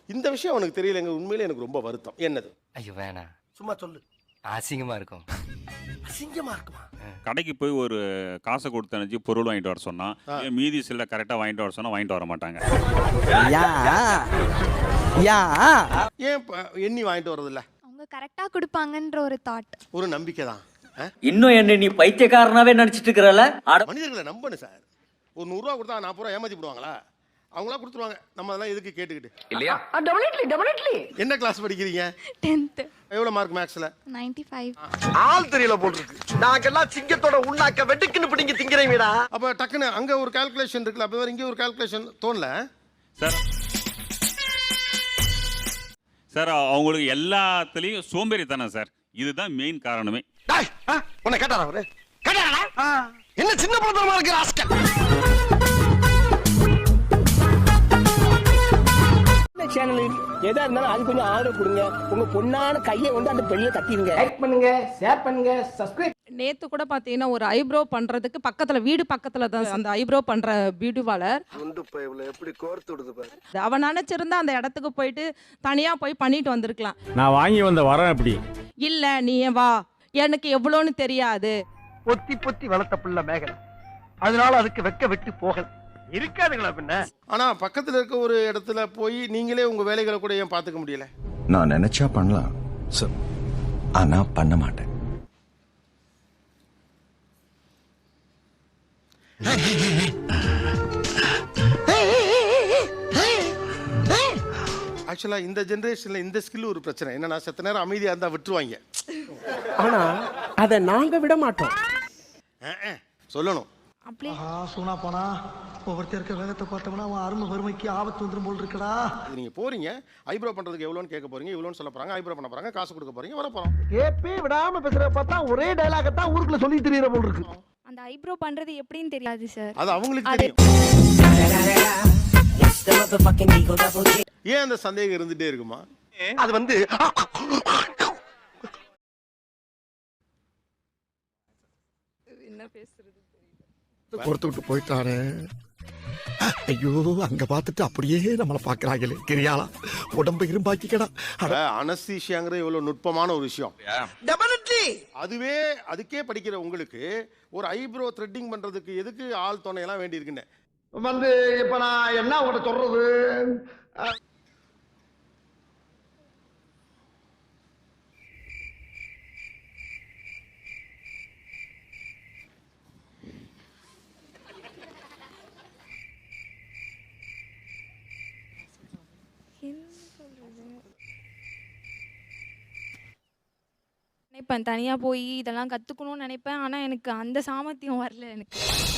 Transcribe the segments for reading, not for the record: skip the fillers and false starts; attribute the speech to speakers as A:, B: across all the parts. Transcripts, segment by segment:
A: இந்த விஷயம் அவனுக்கு தெரியலங்க. உண்மையிலே எனக்கு ரொம்ப வருத்தம். என்னது?
B: ஐயோ வேணாம்,
C: சும்மா சொல்லு.
B: அசிங்கமா இருக்கும்.
C: அசிங்கமா இருக்குமா?
D: கடைக்கு போய் ஒரு காசை கொடுத்து அனுப்பிச்சு பொருள் வாங்கிட்டு வர சொன்னா, மீதி சில கரெக்டாக வாங்கிட்டு வர சொன்னா வாங்கிட்டு வர மாட்டாங்க.
A: ஏன் எண்ணி வாங்கிட்டு வரதில்ல?
E: அவங்க கரெக்டா கொடுப்பாங்கன்ற ஒரு தாட்,
A: ஒரு நம்பிக்கை தான்.
F: இன்னும் என்ன நீ பைத்தியக்காரனாவே நினைச்சிட்டு இருக்கிறல?
A: மனிதர்களை நம்பணும் சார். ஒரு 100 ரூபா கொடுத்தா 40 ரூபா ஏமாத்தி போடுவாங்களா? அவங்களா கொடுத்துருவாங்க. நம்ம அதெல்லாம் எதுக்கு கேட்டுக்கிட்டு இல்லையா? என்ன கிளாஸ் படிக்கிறீங்க?
E: 10th.
A: எவ்வளவு மார்க் மேக்ஸ்ல?
E: 95.
C: ஆள் தெரியல போட்டுருக்கு. நாங்கெல்லாம் சிங்கத்தோட உண்ணாக்க வெட்டுக்குன்னு பிடிங்க திங்கிறீங்கடா.
A: அப்ப டக்குன்னு அங்க ஒரு கால்குலேஷன் இருக்குல்ல, அப்ப இங்க ஒரு கால்குலேஷன் தோணல
D: சார் சார் அவங்களுக்கு எல்லாத்துலேயும் சோம்பேறித்தனை சார். இதுதான் மெயின் காரணமே.
C: உன்னை கேட்டாரா அவரு? கேட்டாரா? என்ன சின்ன பழத்தனமா இருக்கு ராஸ்கல்.
G: சேனல் எதா இருந்தாலும் அது கொஞ்சம் ஆதரவு கொடுங்க. உங்க பொண்ணான கையை வந்து அந்த பெண்ணில தட்டிடுங்க. லைக் பண்ணுங்க, ஷேர் பண்ணுங்க, சப்ஸ்கிரைப்.
H: நேத்து கூட பாத்தீங்கன்னா ஒரு ஐப்ரோ பண்றதுக்கு பக்கத்துல வீடு பக்கத்துல தான் அந்த ஐப்ரோ பண்ற பியூட்டி பார்லர்.
C: எப்படி கோர்த்து விடுது பாரு.
H: அவன் நினைச்சிருந்தா அந்த இடத்துக்கு போயிட்டு தனியா போய் பண்ணிட்டு வந்திருக்கலாம்.
I: நான் வாங்கி வந்த வரேன் அப்படி
H: இல்ல நீ வா, எனக்கு எவ்வளோன்னு தெரியாது.
C: பொத்தி பொத்தி வளர்த்த புள்ள மேகலை, அதனால அதுக்கு வெக்க வெட்டி போகல இருக்காதுங்களா பின்ன.
A: ஆனா பக்கத்துல இருக்க ஒரு இடத்துல போய் நீங்களே உங்க வேலைகளை கூட ஏன் பாத்துக்க முடியல?
J: நான் நினைச்சா பண்ணலாம் சார், ஆனா பண்ண மாட்டேன்.
A: ஆக்சுவலா இந்த ஜெனரேஷன்ல இந்த ஸ்கில் ஒரு பிரச்சனை என்னன்னா, செத்த நேரம் அமைதியா இருந்தா விட்டுருவாங்க.
G: ஆனா அத நாங்க விட மாட்டோம்.
A: சொல்லணும்.
E: அப்படியே
C: சூனா போனா ஒவ்வொருத்தர் இருக்க வேகத்தை பார்த்தோம்னா அவன் அருமை வறுமைக்கு ஆபத்து வந்துரும் போல் இருக்கடா.
A: நீங்க போறீங்க, ஐப்ரோ பண்றதுக்கு எவ்வளோன்னு கேட்க போறீங்க, இவ்வளோன்னு சொல்ல போறாங்க, ஐப்ரோ பண்ண போறாங்க, காசு கொடுக்க போறீங்க, வர போறோம்.
C: ஏப்பே விடாம பேசுற பார்த்தா ஒரே டயலாக தான் ஊருக்குள்ள சொல்லி தெரியற போல் இருக்கு.
E: அந்த ஐப்ரோ பண்றது எப்படின்னு தெரியாது சார்.
A: அது அவங்களுக்கு தெரியும். ஏன் அந்த சந்தேகம் இருந்துட்டே இருக்குமா?
C: அது வந்து
H: என்ன பேசுறது
C: பொறுத்து விட்டு போயிட்டாரு. ஐயோ அங்க பார்த்துட்டு அப்படியே நம்மளை பாக்குறாங்களே கிரியாளா உடம்பு இரும்பாக்கிக்கடா.
A: அனஸ்தீசியாங்கிற இவ்வளவு நுட்பமான ஒரு விஷயம். அதுவே அதுக்கே படிக்கிற உங்களுக்கு ஒரு ஐப்ரோ த்ரெட்டிங் பண்றதுக்கு எதுக்கு ஆள் துணையெல்லாம் வேண்டி இருக்குன்னு
C: வந்து இப்ப நான் என்ன உங்கள்ட்ட சொல்றது?
E: நினைப்பேன் தனியா போய் இதெல்லாம் கத்துக்கணும்னு நினைப்பேன். ஆனா எனக்கு அந்த சாமர்த்தியம் வரல எனக்கு.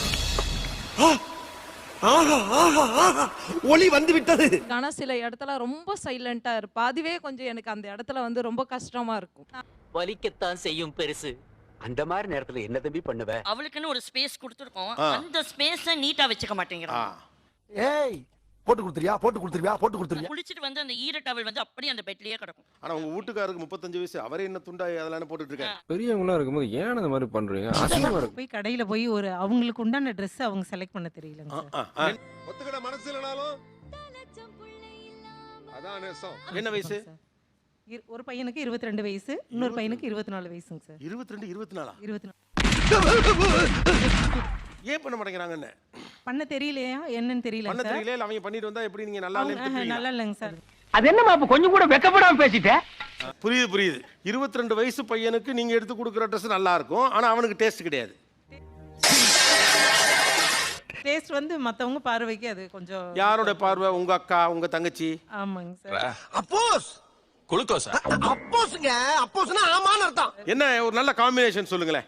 C: ஒளி வந்து விட்டது.
H: ஆனா சில இடத்துல ரொம்ப சைலண்டா இருப்பா. அதுவே கொஞ்சம் எனக்கு அந்த இடத்துல வந்து ரொம்ப கஷ்டமா இருக்கும்.
F: வலிக்கத்தான் செய்யும் பெருசு. அந்த மாதிரி நேரத்துல என்ன தம்பி பண்ணுவ?
K: அவளுக்குன்னு ஒரு ஸ்பேஸ் கொடுத்துருக்கோம். அந்த ஸ்பேஸை நீட்டா வச்சுக்க மாட்டேங்கிறான்.
C: ஏய் போட்டு கொடுத்துறியா போட்டு கொடுத்துருவியா போட்டு கொடுத்துருவியா?
K: குளிச்சிட்டு வந்து அந்த ஈர டவல் வந்து அப்படியே அந்த பெட்லயே கிடக்கும்.
A: ஆனா உங்க வீட்டுக்காருக்கு 35 வயசு, அவரே என்ன துண்டா அதெல்லாம் போட்டுட்டு இருக்காரு.
I: பெரியவங்களா இருக்கும்போது ஏன் அந்த மாதிரி பண்றீங்க? அசிங்கமா இருக்கு.
H: போய் கடையில போய் ஒரு அவங்களுக்கு உண்டான ட்ரெஸ் அவங்க செலக்ட் பண்ண தெரியலங்க சார்.
A: ஒத்துக்கிட மனசு இல்லனாலும் அதான் நேசம். என்ன வயசு?
H: ஒரு பையனுக்கு 22 வயசு, இன்னொரு பையனுக்கு 24 வயசுங்க சார்.
A: 22 24
H: 24
A: ஏன் பண்ண மாட்டேங்கிறாங்கன்னு
H: பண்ண தெரியலையா என்னன்னு தெரியல
A: பண்ண
H: சார்.
A: தெரியல. அவங்க பண்ணிட்டு வந்தா எப்படி நீங்க நல்லா
H: நல்லா இல்லைங்க சார்.
G: அது என்னமா அப்ப கொஞ்சம் கூட வெக்கப்படாம பேசிட்ட?
A: புரியுது புரியுது. 22 வயசு பையனுக்கு நீங்க எடுத்து கொடுக்குற ட்ரெஸ் நல்லா இருக்கும், ஆனா அவனுக்கு டேஸ்ட் கிடையாது.
H: டேஸ்ட் வந்து மத்தவங்க பார்வைக்கு அது கொஞ்சம்.
A: யாரோட பார்வை? உங்க அக்கா, உங்க தங்கச்சி?
H: ஆமாங்க சார்.
C: அப்போஸ் குளுக்கோஸா? அப்போஸ்ங்க, அப்போஸ்னா ஆமான்னு அர்த்தம்.
A: என்ன ஒரு நல்ல காம்பினேஷன் சொல்லுங்களேன்.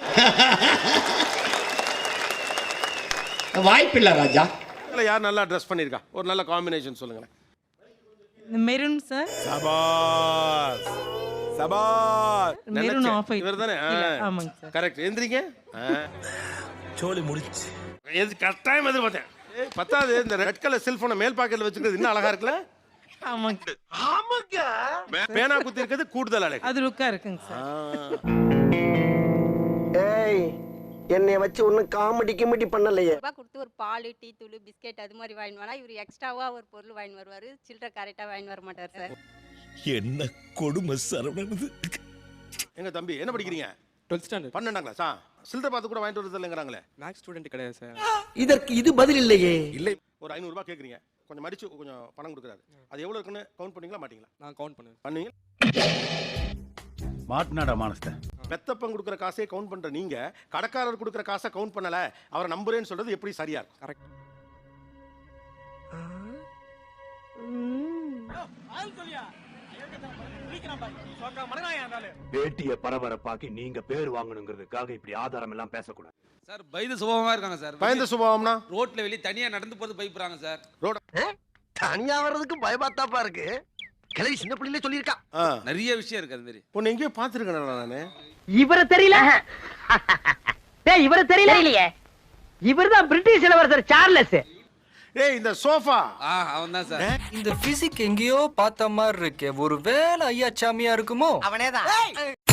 G: வாய்ப்பில்ல ராஜா.
A: இல்ல யார் நல்லா ட்ரெஸ் பண்ணிருக்கா? ஒரு நல்ல காம்பினேஷன் சொல்லுங்களேன்.
H: Maroon sir.
A: சபாஸ் சபாஸ்.
H: Maroon off white.
A: இவர்தானே?
H: ஆமாங்க சார்.
A: கரெக்ட். எந்திரிங்க.
C: சோலி முடிச்சு.
A: எது கரெக்டாக எதிர்பார்த்தேன். பத்தாது இந்த ரெட் கலர் செல்போனை மேல் பாக்கெட்ல வச்சுக்கிறது இன்னும் அழகா இருக்குல்ல?
H: ஆமாங்க.
C: ஆமாங்க.
A: பேனா குத்தி இருக்கிறது கூடுதல் அழகு.
H: அது லுக்கா இருக்குங்க சார்.
C: ஏய்
G: என்னைய வச்சு ஒன்னும் காமெடி கிமெடி பண்ணலையே.
E: கொடுத்து ஒரு பால் டீ தூள் பிஸ்கெட் அது மாதிரி வாங்கி வரா, இவர் எக்ஸ்ட்ராவா ஒரு பொருள் வாங்கி வருவாரு, சில்லறை கரெக்டா வாங்கி வர மாட்டார் சார்.
C: என்ன கொடுமை சரவணனது.
A: எங்க தம்பி என்ன படிக்கிறீங்க?
I: 12th standard.
A: 12ஆம் கிளாஸா? சில்லறை பார்த்து கூட வாங்கிட்டு வரது இல்லைங்கிறாங்களே.
I: மேக்ஸ் ஸ்டூடெண்ட் கிடையாது சார்.
C: இதற்கு இது பதில் இல்லையே.
A: இல்லை, ஒரு 500 ரூபாய் கேட்குறீங்க, கொஞ்சம் மடிச்சு கொஞ்சம் பணம் கொடுக்குறாரு, அது எவ்வளோ இருக்குன்னு கவுண்ட் பண்ணீங்களா மாட்டீங்களா?
I: நான் கவுண்ட் பண்ணுவேன்.
A: பண்ணுவீங்க.
J: மாட்டினாடா மானஸ்த.
A: பெத்தப்பன் கொடுக்குற காசே கவுண்ட் பண்ற நீங்க கடைக்காரர் கொடுக்குற காசை கவுண்ட் பண்ணல, அவரை நம்புறேன்னு சொல்றது எப்படி சரியா இருக்கும்?
I: கரெக்ட்.
J: பேட்டிய பரபரப்பாக்கி நீங்க பேர் வாங்கணுங்கிறதுக்காக இப்படி ஆதாரம் எல்லாம் பேசக்கூடாது
I: சார். பயந்து சுபாவமா இருக்காங்க சார்.
A: பயந்த சுபாவம்னா
I: ரோட்ல வெளிய தனியா நடந்து போறது பயப்படுறாங்க சார்.
A: ரோட
G: தனியா வர்றதுக்கு பயமாத்தாப்பா இருக்கு. கிளவி சின்ன பிள்ளையிலே சொல்லியிருக்கா.
I: நிறைய விஷயம் இருக்கு அது மாதிரி.
A: உன்னை எங்கேயோ பார்த்துருக்கேன் நானு.
G: இவரை தெரியல? டேய் இவரை தெரியலையே. இவர்தான் பிரிட்டிஷ் இளவரசர் சார்லஸ்.
A: ஏய் இந்த சோஃபா.
I: அவன் தான் சார்.
B: இந்த பிசிக் எங்கேயோ பார்த்த மாதிரி இருக்கே, ஒரு வேலை ஐயா சாமியா இருக்குமோ?
G: அவனேதான்.